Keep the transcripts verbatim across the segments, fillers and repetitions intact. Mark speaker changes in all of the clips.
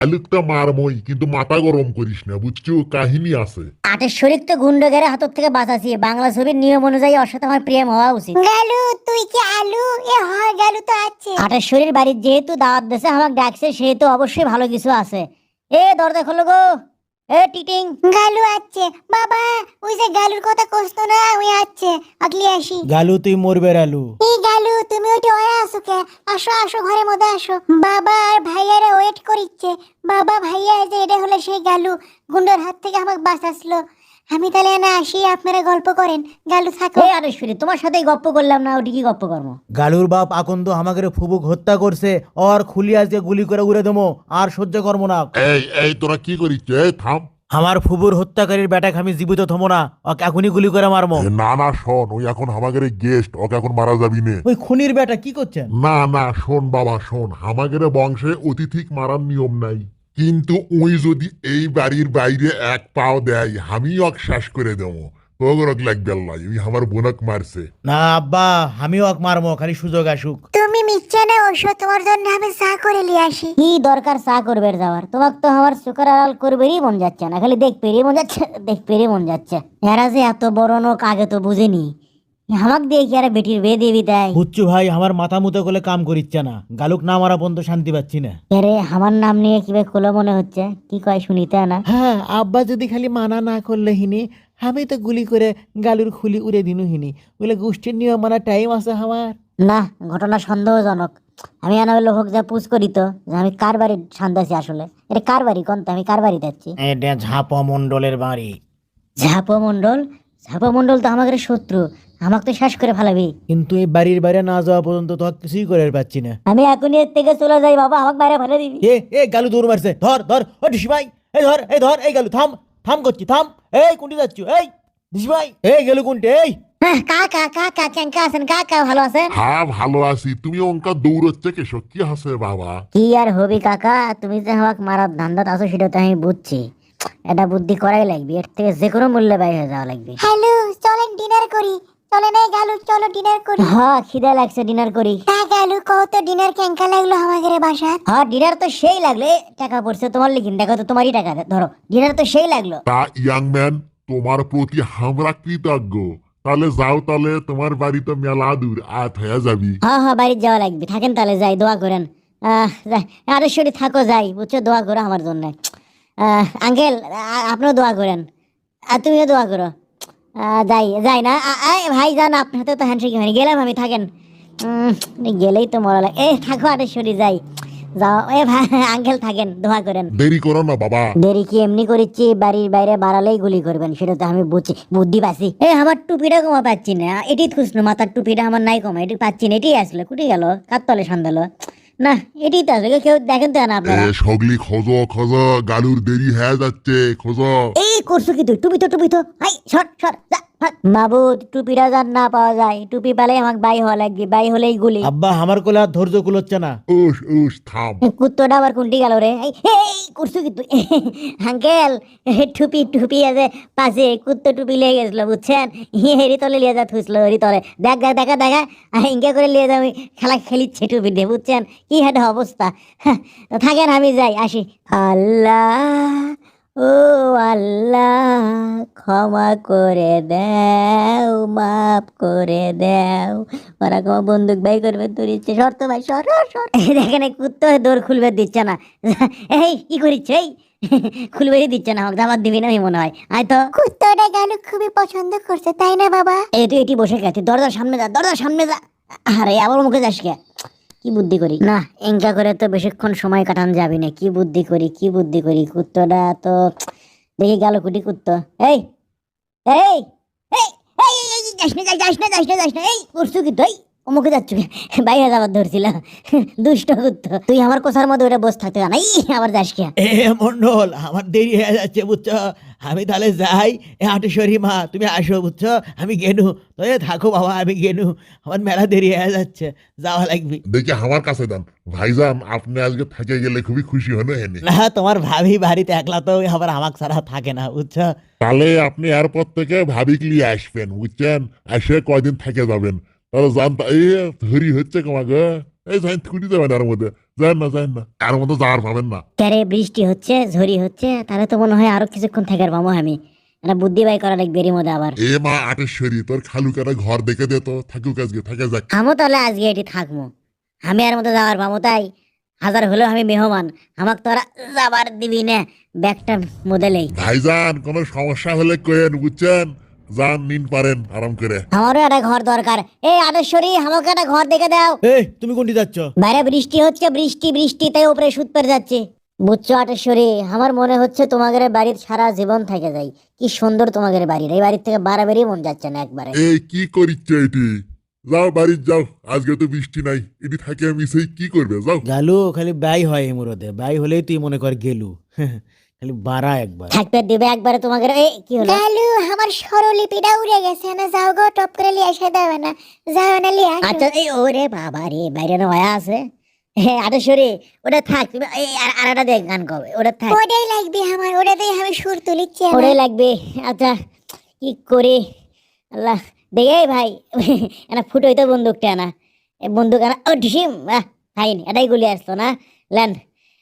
Speaker 1: আলুকটা মারমই, কিন্তু মাথা গরম করিস না, বুঝছো? কাহিনী আছে।
Speaker 2: আটের শরীর তো গুন্ডগের হাতত থেকে বাঁচাছি, বাংলা ছবির নিয়ম অনুযায়ী ওর সাথে আমার প্রেম হওয়া উচিত।
Speaker 3: গালু তুই কি আলু? এ হয় গালু তো আছে।
Speaker 2: আটের শরীর বাড়ির যেহেতু দাওয়াত দেশে আমাকে ডাকছে, সেহেতু অবশ্যই ভালো কিছু আছে। এ দরজা খোলো গো, এ টিটিং।
Speaker 3: গালু আছে বাবা, ওই যে গালুর কথা কইতো না, ওই আছে আগলি আসি।
Speaker 4: গালু তুই মরবে আলু।
Speaker 3: এই গালু তুমি ওইটা ওয়া আসো কে? আসো আসো ঘরের মধ্যে আসো। বাবা আর ভাইয়ারা ওয়েট করিচ্ছে। বাবা ভাইয়া যে এটা হলো সেই গালু, গুন্ডার হাত থেকে আমাকে বাঁচাছিল। আমি তাহলে না আসি, আপনারা গল্প করেন। গালু থাকো।
Speaker 2: এ আটেশ্বরী, তোমার সাথেই গপ্প করলাম না, ওটি কি গপ্প কর্ম?
Speaker 4: গালুর বাপ আকন্দ আমাকে ফুবুক হত্যা করছে, ওর খুলি আজকে গুলি করে উড়ে দেবো, আর সহ্য করবো না।
Speaker 1: এই এই তোরা কি করিস? এই থাম।
Speaker 4: আমার ফুবুর হত্যাকারীর বেটাকে আমি জীবিত থমো না, ওকে এখনই গুলি করে মারমো।
Speaker 1: এ, না না শোন, ওই এখন আমাদের গেস্ট, ওকে এখন মারা যাবি নে।
Speaker 4: ওই খুনির বেটা কি করছেন?
Speaker 1: না না শোন বাবা শোন, আমাদের বংশে অতিথিক মারার নিয়ম নাই, কিন্তু ওই যদি এই বাড়ির বাইরে এক পাও দেয়, আমি ওকে শেষ করে দেবো। তোগরক লাগবে আল্লাহ, ওই আমার বোনক মারছে।
Speaker 4: না আব্বা, আমিও ওকে মারমো, খালি সুযোগ আসুক।
Speaker 3: তুমি মিথ্যা না ওষুধ, তোমার জন্য আমি চা করে নিয়ে আসি।
Speaker 2: কি দরকার চা করবে যাওয়ার? তোমাকে তো আমার সুকার আড়াল করবেরই মন যাচ্ছে না, খালি দেখ পেরিয়ে মন যাচ্ছে, দেখ পেরিয়ে মন যাচ্ছে। এরা যে এত বড় নোক আগে তো বুঝেনি, আমাকে দিয়ে কি আর বেটির বিয়ে দিবি তাই?
Speaker 4: বুচ্চু ভাই আমার মাথা মুতো করে কাম করিচ্ছে না, গালুক না মারা পর্যন্ত শান্তি পাচ্ছি না।
Speaker 2: আরে আমার নাম নিয়ে কিভাবে খোলো মনে হচ্ছে, কি কয় শুনিতে না?
Speaker 4: হ্যাঁ আব্বা যদি খালি মানা না করলে হিনি, আমি তো গুলি করে গালুর খুলি উড়ে দিনু হিনি। বলে গোষ্ঠীর নিয়ম মানা টাইম আছে আমার।
Speaker 2: না, ঘটনা সন্দেহজনক। আমি আনা লোক যা পুজ করি তো, যে আমি কার বাড়ি সান্দাছি আসলে। এটা কার বাড়ি কোন? আমি কার বাড়ি যাচ্ছি?
Speaker 4: এটা ঝাপা মন্ডলের বাড়ি।
Speaker 2: ঝাপো মন্ডল? ঝাপো মন্ডল তো আমাদের শত্রু, আমাকে তো শেষ করে ফেলাবি।
Speaker 4: কিন্তু এই বাড়ির বাইরে না যাওয়া পর্যন্ত তো আর কিছুই করে পাচ্ছি না।
Speaker 2: আমি এখনই এর থেকে চলে যাই বাবা, আমাকে বাইরে ফেলে দিবি।
Speaker 4: এ এ গালু দৌড় মারছে, ধর ধর ও ডিসি ভাই, এই ধর এই ধর, এই গালু থাম, থাম করছি থাম। এই কুন্টি যাচ্ছ? এই ডিসি ভাই, এই গেলু কুন্টি, এই
Speaker 2: হ্যাঁ, কাকা কাকা কেঙ্কা আছেন? কাকা ভালো আছেন?
Speaker 1: হ্যাঁ ভালো আছি। তুমি অঙ্কা দৌড়চ্ছে কেসো, কি হাসে বাবা?
Speaker 2: কি আর হবি কাকা, তুমি যে আমাকে মারার ধান্দাত আছো সেটা তো আমি বুঝছি। এটা বুদ্ধি করাই লাগবে, এর থেকে যে কোনো মূল্যে বাইরে হয়ে যাওয়া লাগবে।
Speaker 3: হ্যালো, চলেন ডিনার করি। চলেন এই গালু, চলো ডিনার করি।
Speaker 2: হ্যাঁ খিদে লাগছে, ডিনার করি।
Speaker 3: হ্যাঁ গালু, কত ডিনার কেঙ্কা লাগলো আমাদের বাসার।
Speaker 2: হ্যাঁ ডিনার তো সেই লাগলো। এ, টাকা পড়ছে তোমার লিখিন, দেখো তো তোমারই টাকা, ধরো। ডিনার তো সেই লাগলো।
Speaker 1: তা ইয়াং ম্যান, তোমার প্রতি আমরা কৃতজ্ঞ। তাহলে যাও, তাহলে তোমার বাড়ি তো মেলা দূর, আত হয়ে যাবি।
Speaker 2: হ্যাঁ হ্যাঁ, বাড়ি যাওয়া লাগবে, থাকেন তাহলে, যাই, দোয়া করেন। আহ যাই, আরেশ্বরী থাকো, যাই, বুঝছো, দোয়া করো আমার জন্য। আহ আঙ্কেল, আপনিও দোয়া করেন, আর তুমিও দোয়া করো। আহ, যাই যাই না, আ- আ- ভাই যান, আপনার হাতে তো হ্যান্ডশেক হয়নি, গেলাম আমি, থাকেন। উম, গেলেই তো মরা লাগে। এ থাকো আরেশ্বরী, যাই, যাও। এ ভাই আঙ্কেল থাকেন, দোয়া করেন।
Speaker 1: দেরি করো না বাবা।
Speaker 2: দেরি কি এমনি করিচ্ছি? বাড়ির বাইরে বাড়ালেই গুলি করবেন, সেটা তো আমি বুঝছি, বুদ্ধি পাচ্ছি। এ আমার টুপিটা কমা পাচ্ছি না, এটি খুশনু, মাথার টুপিটা আমার নাই কমা, এটি পাচ্ছি না, এটি আসলো, কুটি গেল, কার তলে সন্দেলো না, এটি তো আসলে কেউ দেখেন তো না
Speaker 1: এ
Speaker 2: আপনারা।
Speaker 1: সগলি খোঁজো খোঁজো, গালুর দেরি হয়ে যাচ্ছে, খোঁজো।
Speaker 2: এই করছো কি তুই? টুপি তো, টুপি তো, হাই সর সর, যা, ভাগ। মাবুদ, টুপিটা যার না পাওয়া যায়, টুপি পেলে আমাকে বাই হওয়া লাগবে, বাই হলেই গুলি।
Speaker 4: আব্বা আমার কোলে আর ধৈর্য কুলোচ্ছে না।
Speaker 1: উস উস থাম।
Speaker 2: কুত্তটা আবার কোনটি গেল রে? এই এই করছো কি তুই? আঙ্কেল, টুপি টুপি আছে পাশে, কুত্তো টুপি লেগে গেছিল, বুঝছেন? হেরি তলে লিয়ে যা থুসলো, হেরি তলে, দেখ দেখ, দেখা দেখা, ইঙ্কা করে লিয়ে যা, আমি খেলা খেলিচ্ছে টুপি দিয়ে, বুঝছেন? কি একটা অবস্থা। হ্যাঁ, থাকেন, আমি যাই, আসি। আল্লাহ, ও আল্লাহ, ক্ষমা করে দাও, মাফ করে দাও। ওরা ক্ষমা বন্দুক বাই করবে, তোর ইচ্ছে, শর্ত ভাই, সর সর, সর। দেখেন এই কুত্তো দৌড় খুলবে দিচ্ছে না। এই কি করিচ্ছে? এই খুলবে দিচ্ছে না, আমাকে দাবাত দিবি না, আমি মনে হয়। আয় তো।
Speaker 3: কুত্তাটা গালু খুবই পছন্দ করছে, তাই না বাবা?
Speaker 2: এই তুই এটি বসে গেছে, দরজার সামনে যা, দরজার সামনে যা। আরে আবার মুখে যাস কে? কি বুদ্ধি করি না, এঙ্কা করে তো বেশিক্ষণ সময় কাটানো যাবে না। কি বুদ্ধি করি, কি বুদ্ধি করি, কুত্তটা তো দেখি গেল, কুটি কুত্তো। এই এই এই এই, এই, এই, যাস না, যাস না, যাস না, যাস না, এই করছো কি তুই? অমুকে যাচ্ছ বাইরে যাবার ধরছিলাম, দুষ্ট কুত্তো। তুই আমার কোষার মধ্যে ওটা বসে থাকতে জানাই, আবার যাস কে?
Speaker 4: এ মন্ডল, আমার দেরি হয়ে যাচ্ছে বুঝছো, আমি তাহলে যাই। এ আটেশ্বরী মা তুমি আসো বুঝছো, আমি গেনু। তো এ থাকো বাবা, আমি গেনু, আমার মেলা দেরি হয়ে যাচ্ছে, যাওয়া লাগবে।
Speaker 1: দেখি আমার কাছে দেন। ভাইজান, আপনি আজকে থেকে গেলে খুবই খুশি হলো এনে।
Speaker 4: না তোমার ভাবি বাড়িতে একলা তো আবার আমাকে ছাড়া থাকে না বুঝছো।
Speaker 1: তাহলে আপনি এয়ারপোর্ট থেকে ভাবিক নিয়ে আসবেন, বুঝছেন? এসে কয়দিন থেকে যাবেন, তাহলে জানতা এই ধরি হচ্ছে কমাগে, এই জান ছুটি যাবেন এর মধ্যে। যান না যান না আর মতো যাওয়ার পাবেন না।
Speaker 2: ক্যারে বৃষ্টি হচ্ছে ঝড়ি হচ্ছে, তাহলে তো মনে হয় আরো কিছুক্ষণ থাকার পাবো আমি। একটা বুদ্ধি বাই করা লাগবে এর মধ্যে আবার।
Speaker 1: এ মা আটেশ্বরী, তোর খালু কাটা ঘর দেখে দে তো, থাকুক আজকে, থাকে যাক।
Speaker 2: আমও তাহলে আজকে এটি থাকবো, আমি আর মতো যাওয়ার পাবো তাই। হাজার হলেও আমি মেহমান, আমাকে তোরা যাবার দিবি না ব্যাগটা মোদেলেই।
Speaker 1: ভাইজান কোনো সমস্যা হলে কয়েন, বুঝছেন? যান নিন পারেন আরাম করে।
Speaker 2: আমারও একটা ঘর দরকার। এই আদেশ্বরী, আমাকে একটা ঘর দেখে দাও।
Speaker 4: এই তুমি কোনটি যাচ্ছ?
Speaker 2: বাইরে বৃষ্টি হচ্ছে, বৃষ্টি বৃষ্টি তাই উপরে সুদ পেরে যাচ্ছে। বুঝছো আটেশ্বরী, আমার মনে হচ্ছে তোমাদের বাড়ির সারা জীবন থেকে যাই। কি সুন্দর তোমাদের বাড়ির, এই বাড়ির থেকে বাড়াবাড়ি মন যাচ্ছে না একবারে।
Speaker 1: এই কি করিচ্ছে এটি? যাও বাড়ি যাও, আজকে তো বৃষ্টি নাই, এটি থাকে আমি সেই কি করবে, যাও।
Speaker 4: গালু খালি ব্যয় হয় এই মুরদে, ব্যয় হলেই তুই মনে কর গেলু। খালি বাড়া একবার।
Speaker 2: থাকতে দিবে একবারে তোমাদের। এই কি হলো?
Speaker 3: গালু আমার স্বরলিপিটা উড়ে গেছে না, যাও গো টপ করে লিয়ে এসে দেবে না, যাও না লিয়ে আসো।
Speaker 2: আচ্ছা, এই ওরে বাবা রে, বাইরে না হয়ে আছে। হ্যাঁ আটেশ্বরী, ওটা থাক, তুমি এই আর- আর একটা দেখ গান কবে, ওটা থাক,
Speaker 3: ওটাই লাগবে আমার, ওটাতেই আমি সুর তুলিচ্ছি আমার।
Speaker 2: ওটাই লাগবে। আচ্ছা কি করে আল্লাহ দেখে ভাই, এনা ফুটোই তো বন্দুকটা না, এই বন্দুক আনা ও ঢিসিম, আহ ফাইন, এটাই গুলি আসতো না। লেন,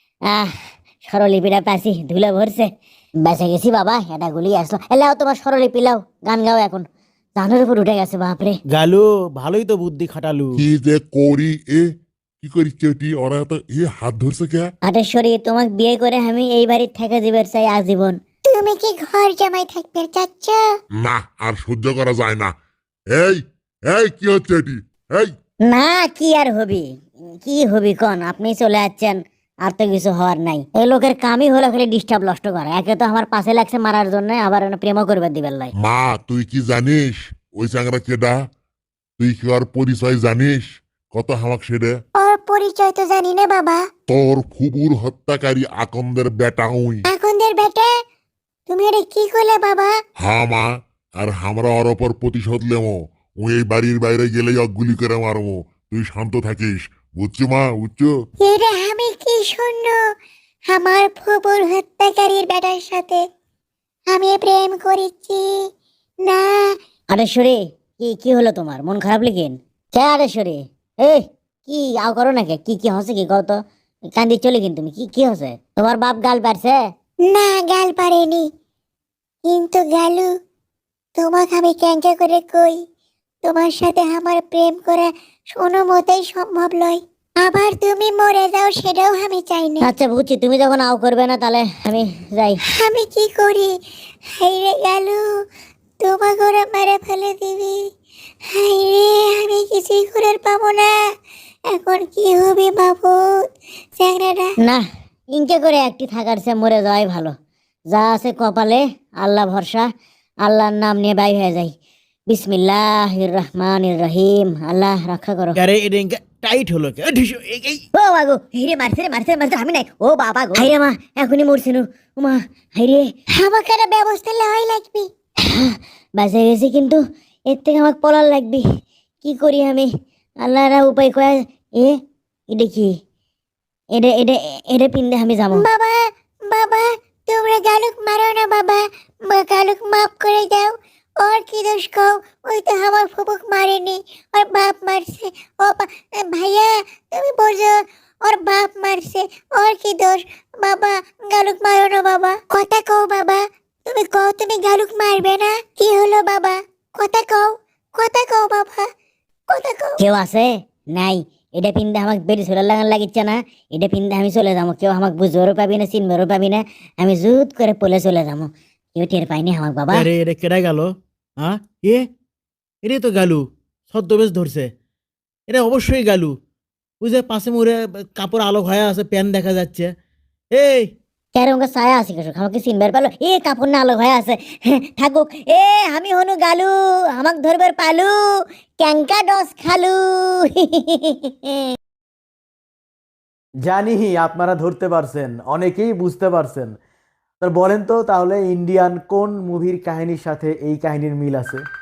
Speaker 2: আহ স্বরলিপিটা পাইছি, ধুলে ভরছে, বেঁচে গেছি বাবা, এটা গুলি আসলো। এলাও তোমার স্বরলিপি লাও, গান গাও এখন, জানের উপর উঠে গেছে বাপরে।
Speaker 4: গালু ভালোই তো বুদ্ধি খাটালু।
Speaker 1: কি যে করি, এ কি করিচ্ছে এটি? ওরা তো এ হাত ধরছে কে?
Speaker 2: আটেশ্বরী, তোমাকে বিয়ে করে আমি এই বাড়ির থেকে যাবার চাই আজীবন।
Speaker 3: তুমি কি ঘর জামাই থাকবে চাচ্ছ?
Speaker 1: না আর সহ্য করা যায় না। এই এই কি হচ্ছে এটি? এই
Speaker 2: না কি আর হবি, কি হবি কন, আপনি চলে যাচ্ছেন, আর তো কিছু হওয়ার নাই। এই লোকের কামই হলো খালি ডিস্টার্ব নষ্ট করা। একে তো আমার পাশে লাগছে মারার জন্য, আবার এনে প্রেমও করবে দিবেন লাই।
Speaker 1: মা, তুই কি জানিস ওই চাংরা কেডা? তুই কি ওর পরিচয় জানিস? কত হামাক সেটা?
Speaker 3: ওর পরিচয় তো জানি না বাবা।
Speaker 1: তোর ফুবুর হত্যাকারী আকন্দের বেটা উই।
Speaker 3: এখনদের বেটা, তুমি এটা কি করলে বাবা?
Speaker 1: হা মা, আর আমরা ওর ওপর প্রতিশোধ লেমো। ওই এই বাড়ির বাইরে গেলেই অক গুলি করে মারবো। তুই শান্ত থাকিস, বুঝছো মা, বুঝছো?
Speaker 3: এটা আমি কি শুনল, আমার ফুপুর হত্যাকারীর বেটার সাথে আমি প্রেম করেছি না।
Speaker 2: আটেশ্বরী, কি কি হলো তোমার, মন খারাপ লেগেন? কে আটেশ্বরী? এই কি আও করো নাকি? কি কি হচ্ছে কি কত? কান্দি চলে কিন্তু তুমি, কি কি হচ্ছে? তোমার বাপ গাল পারছে?
Speaker 3: না গাল পারেনি, কিন্তু গালু তোমাকে আমি ক্যাঙ্কা করে কই, তোমার সাথে আমার প্রেম করা কোনো মতেই সম্ভব নয়। আবার তুমি মরে যাও সেটাও আমি চাই না।
Speaker 2: আচ্ছা বুঝছি, তুমি যখন আও করবে না তাহলে আমি যাই।
Speaker 3: আমি কি করি? হাইরে গালু, তোমাকে ওরা মেরে ফেলে দিবি। হাইরে, আমি কিছুই করে পাবো না। এখন কি হবে বাবুত চ্যাংড়াটা?
Speaker 2: না, ইনকে করে একটি থাকার চেয়ে মরে যাওয়াই ভালো। যা আছে কপালে, আল্লাহ ভরসা, আল্লাহর নাম নিয়ে বাই হয়ে যাই। বিসমিল্লাহির রহমানির রহিম, আল্লাহ রক্ষা করো।
Speaker 4: আরে এটা ইনকা টাইট হলো কে? এ ঢিসু, এই এই
Speaker 2: ও বাগো, হিরে মারছে রে, মারছে মারছে, আমি নাই। ও বাবা গো, হাইরে মা, এখনই মরছিল। ও মা, হাইরে,
Speaker 3: আমাকে একটা ব্যবস্থা লওয়াই লাগবে।
Speaker 2: বাঁচে গেছি, কিন্তু এর থেকে আমাকে পলার লাগবে। কি করি আমি? আল্লাহরা উপায় কয়। এ এটা কি? এটা এটা এটা পিন্দে আমি যাবো।
Speaker 3: বাবা, বাবা, তোমরা গালুক মারো না বাবা, মা গালুক মাফ করে দাও। ওর কি দোষ কও? ওই তো আমার ফুপুক মারেনি, ওর বাপ মারছে। ও বা- ভাইয়া, তুমি বোঝো, ওর বাপ মারছে, ওর কি দোষ? বাবা গালুক মারো না বাবা, কথা কও বাবা, তুমি কও তুমি গালুক মারবে না। কি হলো বাবা? কথা কও, কথা কও বাবা, কথা কও।
Speaker 2: কেউ আছে? নাই। এটা পিন্দে আমাকে বেরি চলে লাগান লাগিচ্ছে না। এটা পিন্দে আমি চলে যাবো, কেউ আমাকে বুঝবারও পাবি না, চিনবারও পাবি না। আমি জুত করে পলে চলে যাবো, কেউ টের পাইনি আমাকে বাবা।
Speaker 4: আরে এটা কেডা গেল? হ্যাঁ এ এরে তো গালু, ছদ্মবেশ ধরছে। এটা অবশ্যই গালু। ওই যে পাশে মোড়ে কাপড় আলো হয়ে আছে, প্যান দেখা যাচ্ছে। এই
Speaker 2: কেরম ছায়া আছে কিছু, আমাকে চিনবার পালো? এ কাপড় না আলো হয়ে আছে, হ্যাঁ, থাকুক। এ আমি হনু গালু, আমাক ধরবার পালু, ক্যাঙ্কা ডস খালু।
Speaker 5: জানি আপনারা ধরতে পারছেন, অনেকেই বুঝতে পারছেন। তো বলেন তো তাহলে ইন্ডিয়ান কোন মুভির কাহিনীর সাথে এই কাহিনীর মিল আছে?